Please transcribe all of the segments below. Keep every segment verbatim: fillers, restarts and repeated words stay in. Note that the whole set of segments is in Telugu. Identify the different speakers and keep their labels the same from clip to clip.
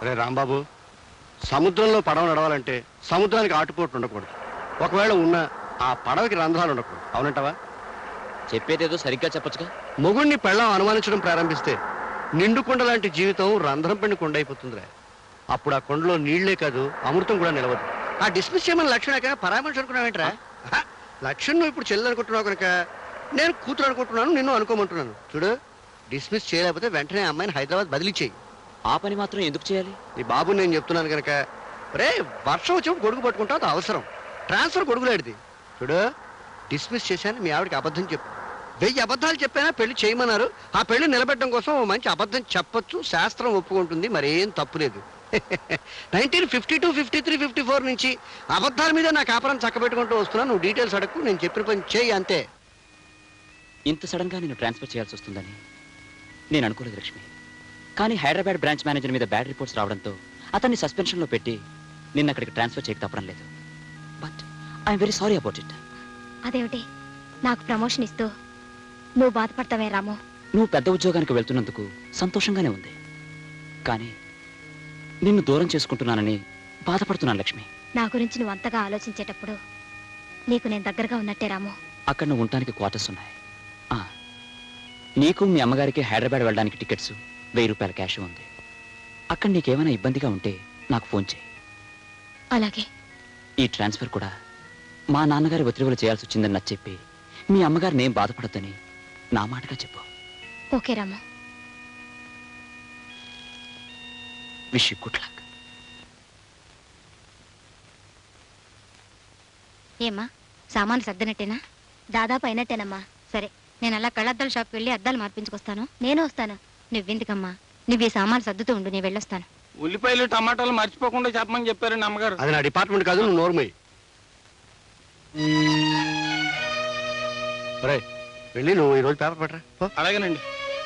Speaker 1: అరే రాంబాబు, సముద్రంలో పడవ నడవాలంటే సముద్రానికి ఆటుపోట్లు ఉండకూడదు. ఒకవేళ ఉన్న ఆ పడవకి రంధ్రాలు ఉండకూడదు. అవునంటావా?
Speaker 2: చెప్పేదేదో సరిగ్గా చెప్పొచ్చుగా.
Speaker 1: మొగుణ్ణి పెళ్ళం అనుమానించడం ప్రారంభిస్తే నిండు కొండ లాంటి జీవితం రంధ్రం పెండి కొండ అయిపోతుందిరా. అప్పుడు ఆ కొండలో నీళ్లే కాదు, అమృతం కూడా నిలవదు. ఆ డిస్మిస్ చేయమని లక్ష్యం ఎక్కడ పరామర్శ అనుకున్నావేంట్రా? లక్ష్యం నువ్వు ఇప్పుడు చెల్లెలు అనుకుంటున్నావు కనుక నేను కూతురు అనుకుంటున్నాను, నిన్ను అనుకోమంటున్నాను. చూడు, డిస్మిస్ చేయలేకపోతే వెంటనే అమ్మాయిని హైదరాబాద్ బదిలీ చేయి.
Speaker 2: ఆ పని మాత్రం ఎందుకు చేయాలి?
Speaker 1: నీ బాబు నేను చెప్తున్నాను కనుక. రే, వర్షం వచ్చినప్పుడు గొడుగు పట్టుకుంటావు, అది అవసరం. ట్రాన్స్ఫర్ గొడుగులాడిది. చూడు, డిస్మిస్ చేశాను, మీ ఆవిడకి అబద్ధం చెప్పు. వెయ్యి అబద్ధాలు చెప్పైనా పెళ్లి చేయమన్నారు. ఆ పెళ్లి నిలబెట్టడం కోసం మంచి అబద్ధం చెప్పొచ్చు, శాస్త్రం ఒప్పుకుంటుంది, మరేం తప్పులేదు. Nineteen fifty two fifty three fifty four నుంచి అబద్ధాల మీద నా కాపురం చక్కబెట్టుకుంటూ వస్తున్నా. నువ్వు డీటెయిల్స్ అడగకు, నేను చెప్పిన పని చేయి అంతే.
Speaker 2: ఇంత సడన్ గా నేను ట్రాన్స్ఫర్ చేయాల్సి వస్తుందని నేను అనుకోలేదు లక్ష్మి. కానీ హైదరాబాద్ బ్రాంచ్ మేనేజర్ మీద బ్యాడ్ రిపోర్ట్స్ రావడంతో అతన్ని సస్పెన్షన్ లో పెట్టి నిన్న అక్కడికి ట్రాన్స్ఫర్ చేయక తప్పడం లేదు. But I'm very sorry about it.
Speaker 3: అదేమిటి, నాకు ప్రమోషన్ ఇస్తూ నువ్వు బాధపడతావే రాము?
Speaker 2: నువ్వు పెద్ద ఉద్యోగానికి వెళ్తున్నందుకు సంతోషంగానే ఉంది, కానీ నిన్ను దూరం చేసుకుంటున్నానని బాధపడుతున్నాను లక్ష్మి.
Speaker 3: నా గురించి నువ్వు అంతగా ఆలోచించేటప్పుడు నీకు నేను దగ్గరగా ఉన్నట్టే రాము.
Speaker 2: అక్కడ నువ్వు ఉండటానికి క్వార్టర్స్ ఉన్నాయి. నీకు మీ అమ్మగారికి హైదరాబాద్ వెళ్ళడానికి టికెట్స్, వెయ్యి రూపాయల క్యాష్ ఉంది. అక్కడ నీకేమైనా ఇబ్బందిగా ఉంటే నాకు ఫోన్ చేయి.
Speaker 3: అలాగే.
Speaker 2: ఈ ట్రాన్స్ఫర్ కూడా మా నాన్నగారి ఒత్తిడిలో చేయాల్సి వచ్చిందని నాకు చెప్పి మీ అమ్మగారిని ఏం బాధపడద్దని నా మాటగా చెప్పు.
Speaker 3: Okay Ramu.
Speaker 2: Wish you good luck.
Speaker 3: ఏమ్మా, సామాను సర్దినట్టేనా? దాదాపు అయినట్టేనమ్మా. సరే, నేను అలా కళ్ళద్దాల షాప్కి వెళ్ళి అద్దాలు మార్పించుకొస్తాను. నేను వస్తాను. నువ్వెందుకమ్మా, నువ్వు ఈ సామాను సర్దుతూ ఉండు, నేను వెళ్ళొస్తాను.
Speaker 4: ఉల్లిపాయలు టమాటాలు మర్చిపోకుండా చెప్పమని చెప్పారండి అమ్మగారు.
Speaker 1: అది నా డిపార్ట్మెంట్ కాదు, నువ్వు నోర్మై. వెళ్ళి నువ్వు ఈరోజు పేపర్ పట్టరా.
Speaker 4: అలాగేనండి.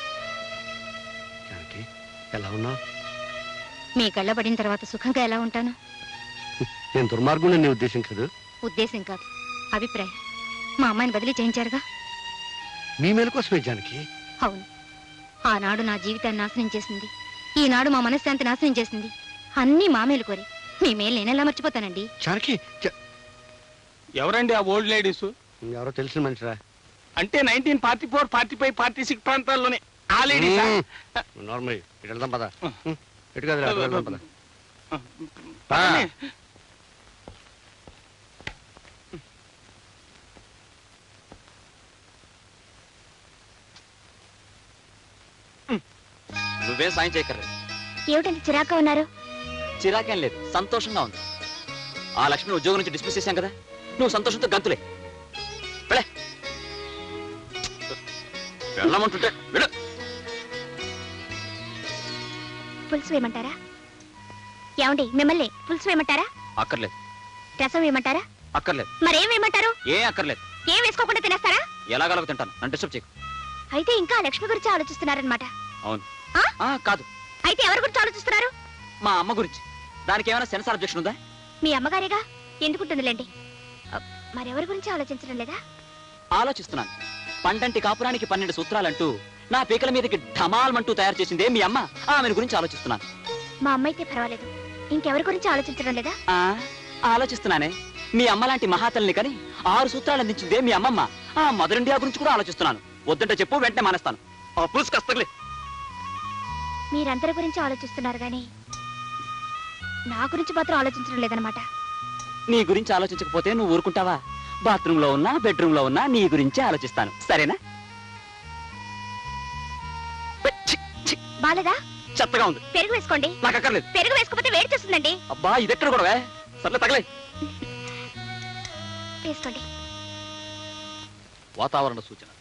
Speaker 1: ఎలా ఉన్నావు?
Speaker 3: మీ కళ్ళ పడిన తర్వాత సుఖంగా ఎలా ఉంటాను?
Speaker 1: నేను దుర్మార్గుని నీ ఉద్దేశం కాదు.
Speaker 3: ఉద్దేశం కాదు, అభిప్రాయం. మా అమ్మాయిని బదిలీ చేయించారుగా.
Speaker 1: మీ మేలు కోసమే జానకి.
Speaker 3: అవును, ఆనాడు నా జీవితాన్ని నాశనం చేసింది, ఈనాడు మా మనశ్శాంతి నాశనం చేసింది. అన్నీ మా మేలు కోరి. మీ మేలు నేనెలా మర్చిపోతానండి?
Speaker 1: జానకి,
Speaker 4: ఎవరండి ఆ ఓల్డ్ లేడీస్?
Speaker 1: ఎవరో తెలిసిన మనిషిరా.
Speaker 4: అంటే nineteen forty four forty five forty six ప్రాంతాల్లోనే ఆ లేడీస్.
Speaker 1: నార్మల్ ఇటు వెళ్దాం పద. ఇటు కాదు, వెళ్దాం పద.
Speaker 2: నువ్వేం సాయం చేయక్కర్లేదు.
Speaker 3: ఏమిటంటే చిరాక ఉన్నారు?
Speaker 2: చిరాకేం లేదు, సంతోషంగా ఉంది. ఆ లక్ష్మిని ఉద్యోగం నుంచి డిస్మిస్ చేశాం కదా, నువ్వు సంతోషంతో గంతులే. వెళ్ళమంటుంటే వెళ్ళు.
Speaker 3: పులుసు వేయమంటారా? ఏమండి, మిమ్మల్ని పులుసు వేయమంటారా?
Speaker 2: అక్కర్లేదు.
Speaker 3: రసం వేయమంటారా?
Speaker 2: అక్కర్లేదు.
Speaker 3: మరేం వేయమంటారు?
Speaker 2: ఏ అక్కర్లేదు.
Speaker 3: ఏం వేసుకోకుండా తినేస్తారా?
Speaker 2: ఎలాగలగ తింటాను, నన్ను డిస్టర్బ్ చేయకు.
Speaker 3: అయితే ఇంకా లక్ష్మి గురించి ఆలోచిస్తున్నారనమాట.
Speaker 2: అవును. కాదు.
Speaker 3: అయితే ఎవరి గురించి ఆలోచిస్తున్నారు?
Speaker 2: మా అమ్మ గురించి. దానికి ఏమైనా సెన్సార్ అబ్జెక్షన్ ఉందా?
Speaker 3: మీ అమ్మగారేగా, ఎందుకుంటుందిలేండి. మరెవరి గురించి ఆలోచించడం లేదా?
Speaker 2: ఆలోచిస్తున్నాను. పండంటి కాపురానికి పన్నెండు సూత్రాలంటూ నా పీకల మీదకి ఢమాల్మంటూ తయారు చేసిందే మీ అమ్మ. ఆమె గురించి ఆలోచిస్తున్నాను.
Speaker 3: మా అమ్మ అయితే పర్వాలేదు, ఇంకెవరి గురించి ఆలోచించడం లేదా?
Speaker 2: ఆలోచిస్తున్నానే. మీ అమ్మ లాంటి మహాతల్ని కని ఆరు సూత్రాలు అందించిందే మీ అమ్మమ్మ. ఆ మదర్ ఇండియా గురించి కూడా ఆలోచిస్తున్నాను. వద్దంటే చెప్పు, వెంటనే మానేస్తాను. కస్తలే.
Speaker 3: మీరందరి గురించి ఆలోచిస్తున్నారు గాని నా గురించి మాత్రం ఆలోచించడం లేదనమాట.
Speaker 2: నీ గురించి ఆలోచించకపోతే నువ్వు ఊరుకుంటావా? బాత్రూమ్ లో ఉన్నా, బెడ్రూమ్ లో ఉన్నా నీ గురించే ఆలోచిస్తాను. సరేనా?
Speaker 3: బాలేదా?
Speaker 2: చెత్తగా ఉంది.
Speaker 3: పెరుగు వేసుకోండి.
Speaker 2: నాకు అక్కర్లేదు.
Speaker 3: పెరుగు వేసుకోకపోతే వేడి చేస్తుందండి.
Speaker 2: అబ్బా, ఇదెక్కడ కూడా సర్లే, తగలే.
Speaker 3: వేసుకోండి.
Speaker 2: వాతావరణ సూచన.